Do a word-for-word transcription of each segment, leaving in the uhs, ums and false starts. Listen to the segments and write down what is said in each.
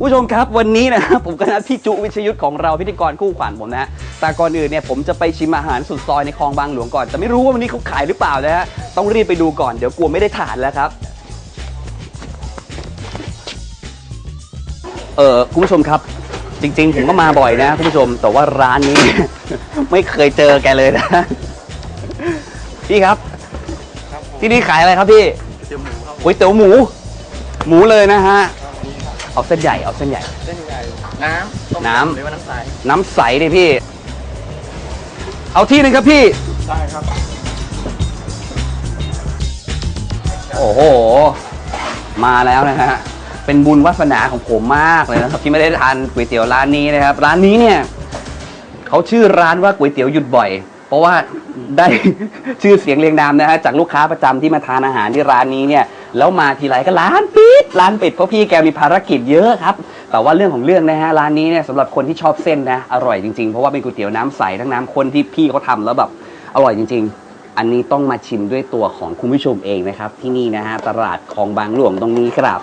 ผู้ชมครับวันนี้นะผมก็นัดพี่จุวิชยุทธของเราพิธีกรคู่ขวัญผมนะแต่ก่อนอื่นเนี่ยผมจะไปชิมอาหารสุดซอยในคลองบางหลวงก่อนแต่ไม่รู้ว่าวันนี้เขาขายหรือเปล่านะฮะต้องรีบไปดูก่อนเดี๋ยวกลัวไม่ได้ทานแล้วครับเออคุณผู้ชมครับจริงๆผมก็มาบ่อยนะคุณผู้ชมแต่ว่าร้านนี้ ไม่เคยเจอแกเลยนะพี่ครับที่นี่ขายอะไรครับพี่ก๋วยเตี๋ยวหมูหมูเลยนะฮะเอาเส้นใหญ่เอาเส้นใหญ่เส้นใหญ่น้ำน้ำหรือว่าน้ำใสน้ำใสดิพี่เอาที่นึงครับพี่ได้ครับโอ้โหมาแล้วนะฮะเป็นบุญวาสนาของผมมากเลยนะครับที่ไม่ได้ทานก๋วยเตี๋ยวร้านนี้นะครับร้านนี้เนี่ยเขาชื่อร้านว่าก๋วยเตี๋ยวหยุดบ่อยเพราะว่าได้ชื่อเสียงเรียงนามนะฮะจากลูกค้าประจำที่มาทานอาหารที่ร้านนี้เนี่ยแล้วมาทีไรก็ร้านปิดร้านปิดเพราะพี่แกมีภารกิจเยอะครับแต่ว่าเรื่องของเรื่องนะฮะร้านนี้เนี่ยสำหรับคนที่ชอบเส้นนะอร่อยจริงๆเพราะว่าเป็นก๋วยเตี๋ยวน้ำใสทั้งน้ำข้นที่พี่เขาทำแล้วแบบอร่อยจริงๆอันนี้ต้องมาชิมด้วยตัวของคุณผู้ชมเองนะครับที่นี่นะฮะตลาดคลองบางหลวงตรงนี้ครับ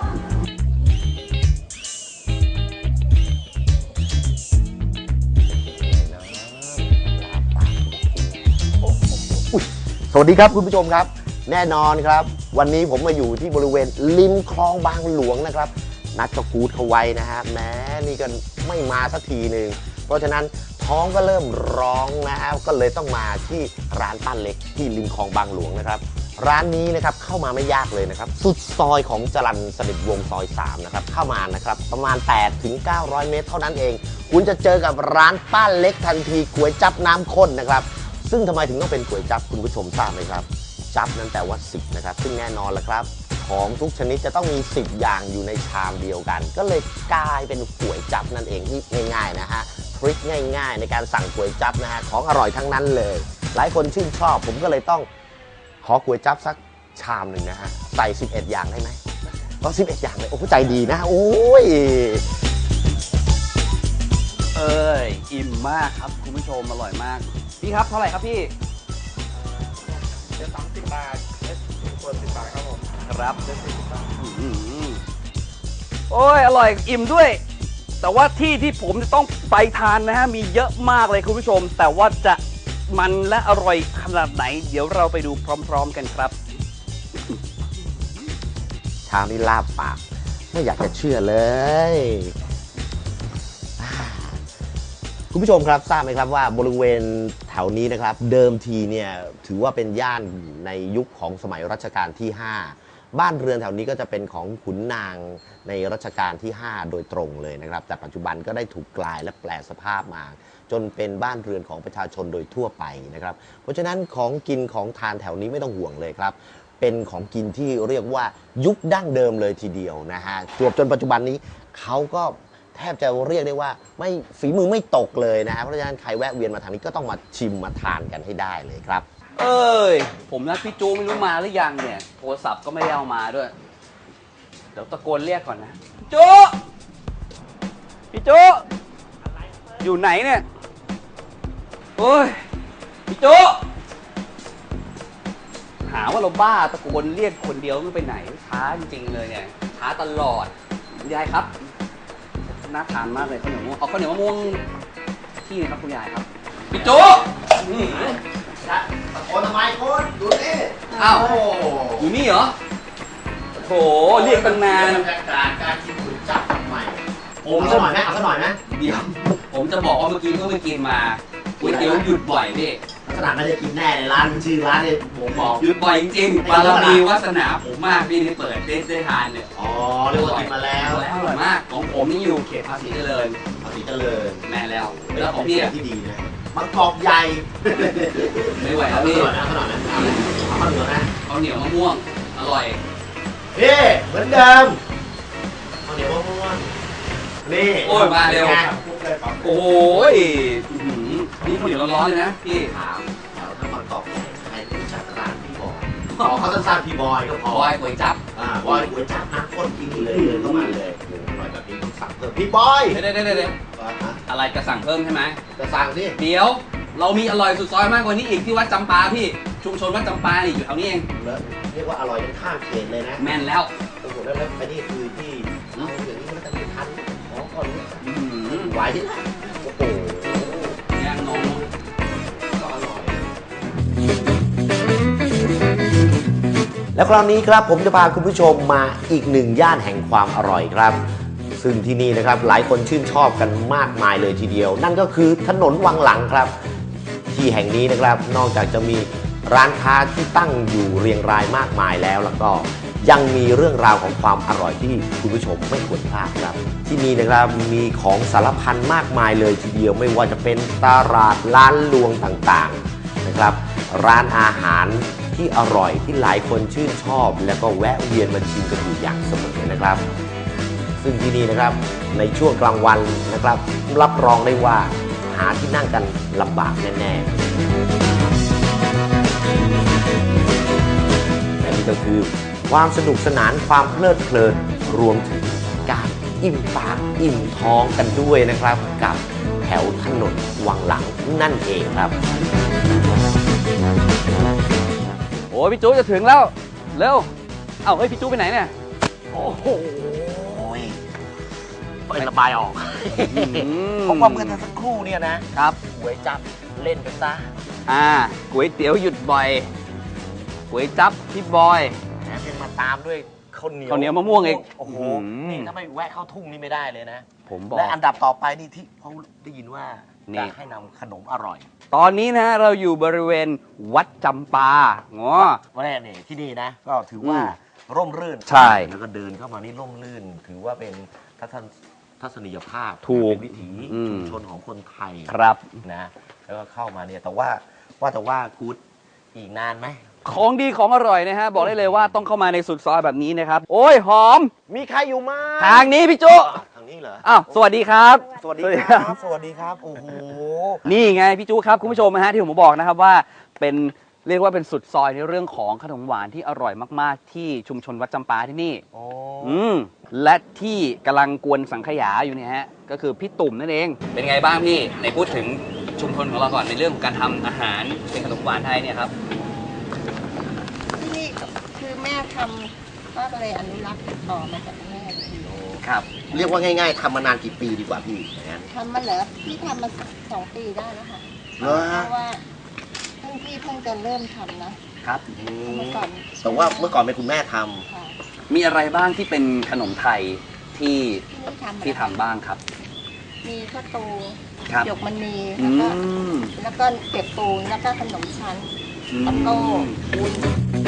สวัสดีครับคุณผู้ชมครับแน่นอนครับวันนี้ผมมาอยู่ที่บริเวณริมคลองบางหลวงนะครับนัดเจ้ากู๊ดเขาไว้นะฮะแม้นี่ก็ไม่มาสักทีหนึ่งเพราะฉะนั้นท้องก็เริ่มร้องนะฮะก็เลยต้องมาที่ร้านป้าเล็กที่ริมคลองบางหลวงนะครับร้านนี้นะครับเข้ามาไม่ยากเลยนะครับสุดซอยของจรัญสนิทวงศ์ซอยสามนะครับเข้ามานะครับประมาณ แปดถึงเก้าร้อย เมตรเท่านั้นเองคุณจะเจอกับร้านป้าเล็กทันทีก๋วยจั๊บน้ำข้นนะครับซึ่งทำไมถึงต้องเป็นก๋วยจั๊บคุณผู้ชมทราบไหมครับจั๊บนั้นแปลว่าสิบนะครับซึ่งแน่นอนแหละครับของทุกชนิดจะต้องมีสิบอย่างอยู่ในชามเดียวกันก็เลยกลายเป็นก๋วยจั๊บนั่นเองที่ง่ายๆนะฮะทริคง่ายๆในการสั่งก๋วยจั๊บนะฮะของอร่อยทั้งนั้นเลยหลายคนชื่นชอบผมก็เลยต้องขอก๋วยจั๊บสักชามหนึ่งนะฮะใส่สิบเอ็ดอย่างได้ไหมก็สิบเอ็ดอย่างเลยโอ้ใจดีนะโอ้ยเอ้ยอิ่มมากครับคุณผู้ชมอร่อยมากพี่ครับเท่าไหร่ครับพี่เจ็ดสามสิบบาทเจ็ดคนสิบบาทครับผมครับเจ็ดสิบบาทโอ้ยอร่อยอิ่มด้วยแต่ว่าที่ที่ผมจะต้องไปทานนะฮะมีเยอะมากเลยคุณผู้ชมแต่ว่าจะมันและอร่อยขนาดไหนเดี๋ยวเราไปดูพร้อมๆกันครับชามนี้ลาบปากไม่อยากจะเชื่อเลย คุณผู้ชมครับทราบไหมครับว่าบริเวณแถวนี้นะครับเดิมทีเนี่ยถือว่าเป็นย่านในยุคของสมัยรัชกาลที่ห้าบ้านเรือนแถวนี้ก็จะเป็นของขุนนางในรัชกาลที่ห้าโดยตรงเลยนะครับแต่ปัจจุบันก็ได้ถูกกลายและแปลสภาพมาจนเป็นบ้านเรือนของประชาชนโดยทั่วไปนะครับเพราะฉะนั้นของกินของทานแถวนี้ไม่ต้องห่วงเลยครับเป็นของกินที่เรียกว่ายุคดั้งเดิมเลยทีเดียวนะฮะจวบจนปัจจุบันนี้เขาก็แทบจะเรียกได้ว่าไม่ฝีมือไม่ตกเลยนะฮะเพราะฉะนั้นใครแวะเวียนมาทางนี้ก็ต้องมาชิมมาทานกันให้ได้เลยครับเอ้ยผมนัดพี่จูไม่รู้มาหรือยังเนี่ยโทรศัพท์ก็ไม่ได้เอามาด้วยเดี๋ยวตะโกนเรียกก่อนนะพี่จูพี่จูอยู่ไหนเนี่ยโอ้ยพี่จูหาว่าเราบ้าตะโกนเรียกคนเดียวไม่ไปไหนช้าจริงๆเลยเนี่ยช้าตลอดคุณยายครับน่าทานมากเลยข้าวเหนียวมะม่วงเอาข้าวเหนียวมะม่วงที่นี่ครับคุณยายครับพี่จูตะโกนทำไมคุณดูนี่อ้าวอยู่นี่เหรอโถเรียกตั้งนานบรรยากาศการกินก๋วยจั๊บใหม่ผมจะหน่อยไหมเอาสักหน่อยไหมเดี๋ยวผมจะบอกว่าเมื่อกี้เพิ่งไปกินมาก๋วยเตี๋ยวหยุดบ่อยพี่ขนาดไม่ได้กินแน่ในร้านชื่อร้านเนี่ยผมบอกหยุดบ่อยจริงๆบารมีวาสนาผมมากพี่ที่เปิดได้ได้ทานเนี่ยอ๋อเรียกว่ากินมาแล้วแล้วอร่อยมากของผมนี่อยู่เขตภาษีเจริญภาษีเจริญแม่แล้วแล้วของพี่ที่ดีนะมะกอกใหญ่ไม่ไหวแล้วพี่ขนาดนั้นเอาข้าวเหนียวนะข้าวเหนียวมะม่วงอร่อยเฮ้เหมือนเดิมข้าวเหนียวมะม่วงนี่โอ้ยมาเร็วโอ้ยนี่ข้าวเหนียวร้อนๆเลยนะพี่ถามแถวถ้ามะกอกใครรู้จักร้านพี่บอยขอเขาสั้นๆพี่บอยก็พอบอยก๋วยจั๊บอ่าบอยก๋วยจั๊บน้ำข้นกินเลยเดินเข้ามาเลยอร่อยแบบนี้ต้องสั่งเพิ่มพี่บอยเดี๋ยวเดี๋ยวเดี๋ยวอะไรจะสั่งเพิ่มใช่ไหมจะสั่งสิเดี๋ยวเรามีอร่อยสุดซอยมากกว่านี้อีกที่วัดจำปาพี่ชุมชนวัดจำปาอยู่แถวนี้เองเรียกว่าอร่อยจนข้ามเขตเลยนะแม่นแล้วโอ้โหแล้วแล้วไปนี่คือที่เอาอย่างนี้มันจะไม่ทันอ๋อโอ้โหย่างนมก็อร่อยแล้วคราวนี้ครับผมจะพาคุณผู้ชมมาอีกหนึ่งย่านแห่งความอร่อยครับ ซึ่งที่นี่นะครับหลายคนชื่นชอบกันมากมายเลยทีเดียว นั่นก็คือถนนวังหลังครับ ที่แห่งนี้นะครับนอกจากจะมีร้านค้าที่ตั้งอยู่เรียงรายมากมายแล้วแล้วก็ยังมีเรื่องราวของความอร่อยที่คุณผู้ชมไม่ควรพลาดครับ ที่นี่นะครับมีของสารพันมากมายเลยทีเดียวไม่ว่าจะเป็นตลาดร้านลวงต่างๆนะครับร้านอาหารที่อร่อยที่หลายคนชื่นชอบ แล้วก็แวะเวียนมาชิมกันอยู่อย่างเสมอนะครับ ซึ่งที่นี่นะครับในช่วงกลางวันนะครับรับรองได้ว่าหาที่นั่งกันลำบากแน่ๆและนี่ก็คือความสนุกสนานความเพลิดเพลินรวมถึงการอิ่มปากอิ่มท้องกันด้วยนะครับกับแถวถนนวังหลังนั่นเองครับโอ้ยพี่จูจะถึงแล้ว เร็ว เอ้าเฮ้ยพี่จูไปไหนเนี่ยโอ้โหไประบายออกเพราะว่าเมื่อสักครู่เนี่ยนะครับหวยจับเล่นไปซะอ่าก๋วยเตี๋ยวหยุดบ่อยก๋วยจั๊บพี่บอยแถมยังมาตามด้วยข้าวเหนียวข้าวเหนียวมะม่วงอีกโอ้โหอื้อหือนี่ถ้าไม่แวะเข้าทุ่งนี่ไม่ได้เลยนะผมบอกและอันดับต่อไปนี่ที่เขาได้ยินว่านี่จะให้นำขนมอร่อยตอนนี้นะเราอยู่บริเวณวัดจำปาง้อว่าแน่เนี่ยที่นี่นะ ก็ถือว่าอืมร่มรื่นใช่แล้วก็เดินเข้ามานี่ร่มรื่น ถือว่าเป็นทัศนทัศนียภาพถูกเป็นวิถีอืมชุมชนของคนไทยครับนะแล้วก็เข้ามาเนี่ยแต่ว่าว่าแต่ว่ากูดอีกนานไหมของดีของอร่อยนะฮะ บอกได้เลยว่าต้องเข้ามาในสุดซอยแบบนี้นะครับ โอ้ยหอมมีใครอยู่ไหมทางนี้พี่จุทางนี้เหรออ้าวสวัสดีครับสวัสดีครับ สวัสดีครับ โอ้โหนี่ไงพี่จุครับคุณผู้ชมนะฮะที่ผมบอกนะครับว่าเป็นเรียกว่าเป็นสุดซอยในเรื่องของขนมหวานที่อร่อยมากๆ ที่ชุมชนวัดจำปาที่นี่โอ้อืมและที่กำลังกวนสังขยาอยู่เนี่ยฮะก็คือพี่ตุ่มนั่นเอง เป็นไงบ้างพี่ในพูดถึงชุมชนของเราก่อนในเรื่องของการทำอาหารเป็นขนมหวานไทยเนี่ยครับที่นี่คือแม่ทำก็เลยอนุรักษ์ต่อมาจากแม่ทีครับเรียกว่าง่ายๆทำมานานกี่ปีดีกว่าพี่อย่างนั้นทำมาเหรอพี่ทำมาสองปีได้แล้วค่ะเหรอเพฮะราะว่าเพิ่งพี่เพิ่งจะเริ่มทำนะครับ เมื่อก่อนแต่ว่าเมื่อก่อนเป็นคุณแม่ทำค่ะมีอะไรบ้างที่เป็นขนมไทยที่ที่นี่ทำที่ทำบ้างครับมีข้าวตูครับหยกมันมีอืแล้วก็มแล้วก็เก็บปูนแล้วก็ขนมชั้นแล้วก็วุ้น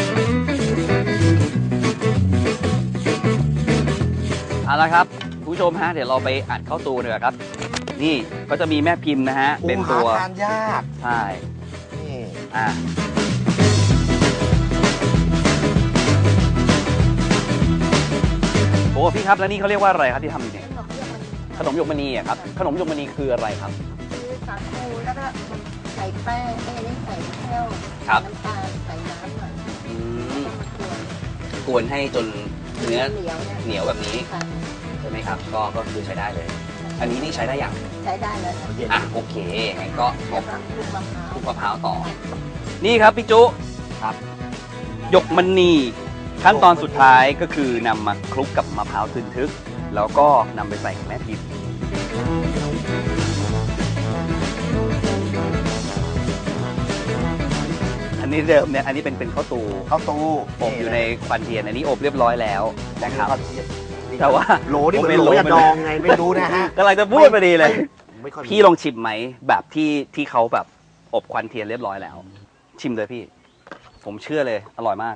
เอาละครับคุณผู้ชมฮะเดี๋ยวเราไปอัดเข้าตูเลยครับ นี่ก็จะมีแม่พิมพ์นะฮะเป็นตัวโอ้หาทานยากใช่นี่อ่ะโอ้พี่ครับแล้วนี่เขาเรียกว่าอะไรครับที่ทำอยู่เนี่ยขนมหยกมันมีขนมหยกมณีอะครับขนมหยกมณีคืออะไรครับคือสาคูแล้วก็ใส่แป้งเอ้ยนี่ใส่แก้วครับน้ำตาลใส่น้ำหน่อยอืมแล้วก็มากวนกวนให้จนเนื้อเหนียวเนี่ยเหนียวแบบนี้ค่ะใช่ไหมครับ ก็ก็คือใช้ได้เลย อันนี้นี่ใช้ได้อย่างใช้ได้แล้วค่ะเย็นอ่ะโอเคงั้นก็แล้วก็ลูกมะพร้าวคลุกมะพร้าวต่อ นี่ครับพี่จุครับหยกมณีขั้นตอนสุดท้ายก็คือนำมาคลุกกับมะพร้าวทึนทึก แล้วก็นำไปใส่กับแม่พิมพ์อันนี้เดิมเนี่ยอันนี้เป็นเป็นข้าวตูข้าวตูอบอยู่ในควันเทียนอันนี้อบเรียบร้อยแล้วนะครับข้าวเทียนแต่ว่าโหลนี่เหมือนเป็นโหลโหลยาดองไงไม่รู้นะฮะกำลังจะพูดพอดีเลยไม่ค่อยมีพี่ลองชิมไหมแบบที่ที่เขาแบบอบควันเทียนเรียบร้อยแล้ว ชิมเลยพี่ ผมเชื่อเลยอร่อยมาก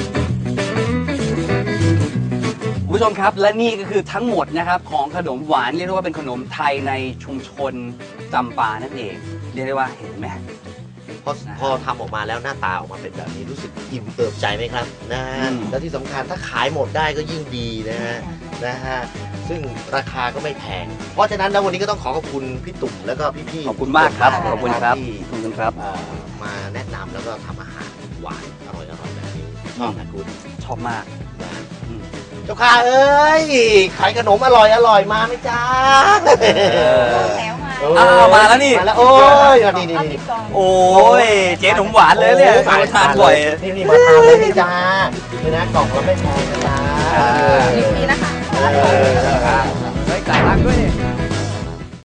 คุณผู้ชมครับและนี่ก็คือทั้งหมดนะครับของขนมหวานเรียกได้ว่าเป็นขนมไทยในชุมชนจำปานั่นเอง เรียกได้ว่าเห็นไหมพอพอทำออกมาแล้วหน้าตาออกมาเป็นแบบนี้รู้สึกอิ่มเอิบใจไหมครับนะฮะอืมแล้วที่สำคัญถ้าขายหมดได้ก็ยิ่งดีนะฮะนะฮะซึ่งราคาก็ไม่แพง เพราะฉะนั้นแล้ววันนี้ก็ต้องขอขอบคุณพี่ตุ่มแล้วก็พี่ๆขอบคุณมากครับทุกนขอบคุณครับที่ขอบคุณครับเอ่อมาแนะนำแล้วก็ทำอาหารหวานอร่อยๆแบบนี้ชอบนะคุณชอบมากนะอืมเจ้าค่ะเอ้ยขายขนมอร่อยอร่อยมาไหมจ้าแล้วมาเอ้ยอ้าวมาแล้วนี่มาแล้วโอ้ยนี่นี่เอานี่ติดกล่องโอ้ยเจ๊ขนมหวานเลยเนี่ยโอ้มาทานบ่อยนี่นี่มาทานเลยนี่จ้านี่นะกล่องเราไม่แพงนะจ้าอ่ายินดีนะคะเออเฮ้ยจ่ายตังค์ด้วยนี่